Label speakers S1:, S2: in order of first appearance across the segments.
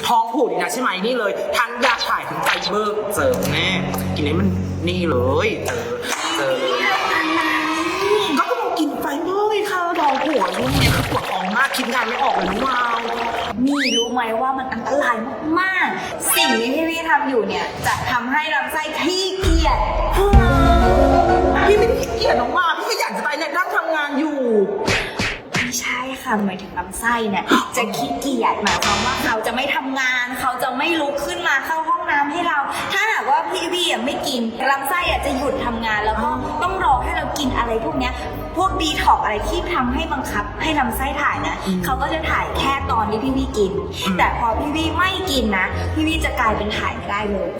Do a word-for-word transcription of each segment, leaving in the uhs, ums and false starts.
S1: ท้องผูกนี่นะใช่ไหมนี่เลยทั้งยาถ่ายทั้งไฟเบอร์เจอแน่กินนี้มันนี่เลยเจอเจอก็ต้องกินไฟเบอร์ไงคะท้องผูกช่วงนี้คือปวดท้องมากคิดงานไม่ออกเลยน้องวาว
S2: นี่รู้ไหมว่ามันอันตรายมากๆสิ่งที่พี่พี่ทำอยู่เนี่ยจะทำให้ลำไส้ขี้เกียจ
S1: พี่ไม่ได้ขี้เกียจน้องวาวพี่ก็อยากจะไปเนี่ยนั่งทำงานอยู่
S2: ไม่ใช่ค่ะหมายถึงลำไส้เนี่ยจะขี้เกียจหมายความว่าเขาจะไม่ทำงานเขาจะไม่ลุกขึ้นมาเข้าห้องน้ำให้เราถ้าหากว่าพี่พี่ไม่กินลำไส้จะหยุดทำงานแล้วก็ต้องรอให้เรากินอะไรพวกเนี้ยพวกดีท็อกอะไรที่ทำให้บังคับให้ลำไส้ถ่ายนะเขาก็จะถ่ายแค่ตอนที่พี่พี่กินแต่พอพี่พี่ไม่กินนะพี่พี่จะกลายเป็นถ่ายไม่ได้เลย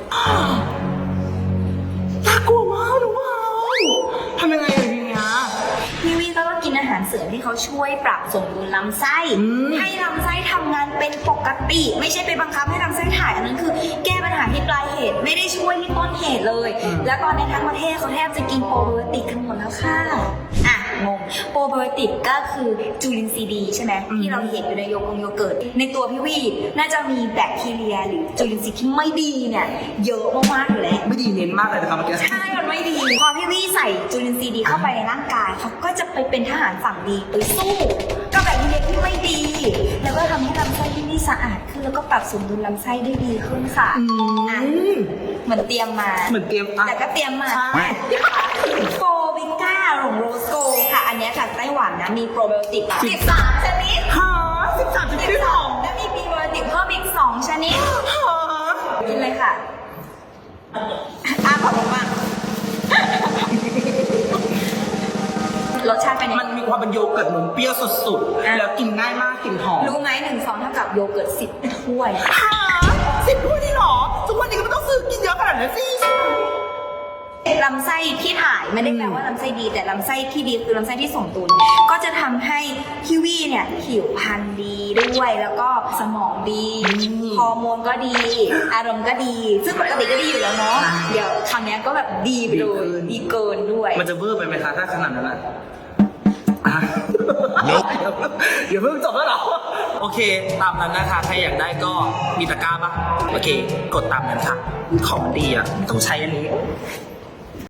S1: น่ากลัวมากน้องวาวทำยังไงอย่างเงี้ย
S2: พี่วีก็ต้องกินอาหารเสริมที่เขาช่วยปรับสมดุลลำไส้ให้ลำไส้ทำงานเป็นปกติไม่ใช่ไปบังคับให้ลำไส้ถ่ายอันนั้นคือแก้ปัญหาที่ปลายเหตุไม่ได้ช่วยที่ต้นเหตุเลยแล้วตอนนี้ทั้งประเทศเขาแทบจะกินโปรไบโอติกกันหมดแล้วค่ะอ่ะงงโปรไบโอติกก็คือจุลินทรีย์ดีใช่ไหมที่เราเห็นอยู่ในโยกงโยเกิร์ตในตัวพี่วีน่าจะมีแบคทีเรียหรือจุลินทรีย์ที่ไม่ดีเนี่ยเยอะมากๆอยู่แล้ว
S1: ไม่ดีเน้นมากเลยนะครับเมื่อกี้
S2: ใช่มันไม่ดีพอพี่วีใส่จุลินทรีย์ดีเข้าไปในร่างกายเขาก็จะไปเป็นทหารฝั่งดีไปสู้กับแบคทีเรียที่ไม่ดีแล้วก็ทำให้ลำไส้ที่นี่สะอาดขึ้นแล้วก็ปรับสมดุลลำไส้ได้ดีขึ้นค่ะเหมือนเตรียมมา
S1: เหมือนเตรียม
S2: แต่ก็เตรียมมาโฟวิก้าของโรสโกค่ะอันนี้จากไต้หวันนะมีโปรไบโอติกสิบสามชนิด
S1: ฮะสิบสามชนิดหรอ
S2: และมีพรีไบโอติกเพิ่มอีกสองชนิด
S1: ฮะ
S2: กินเลยค่ะอ้าขอบคุณมากรสชาติเป็น
S1: มันมีความเป็นโยเกิร์ตเหมือนเปรี้ยวสุดๆแล้วกินง่ายมากกินหอม
S2: รู้ไหมหนึ่งซองเท่ากับโยเกิร์ตสิบถ้วย
S1: ฮะสิบถ้วยนี่หรอทุกวันนี้ก็ไม่ต้องซื้อกินเยอะขนาดนั้นสิ
S2: ลำไส้ที่ถ่ายไม่ได้แปลว่าลำไส้ดีแต่ลำไส้ที่ดีคือลำไส้ที่สมดุลก็จะทำให้พี่วี่เนี่ยผิวพรรณดีด้วยแล้วก็สมองดีฮอร์โมนก็ดีอารมณ์ก็ดีซึ่งปกติก็ดีอยู่แล้วเนาะเดี๋ยวครั้งนี้ก็แบบดีไปเลยดีเกินด้วย
S1: มันจะเวอร์ไปไหมคะถ้าขนาดนั้นอ่ะเดี๋ยวเพิ่งจบแล้วเหรอโอเคตามนั้นนะคะใครอยากได้ก็มีตะกร้าปะโอเคกดตามนั้นค่ะของดีอ่ะต้องใช้อันนี้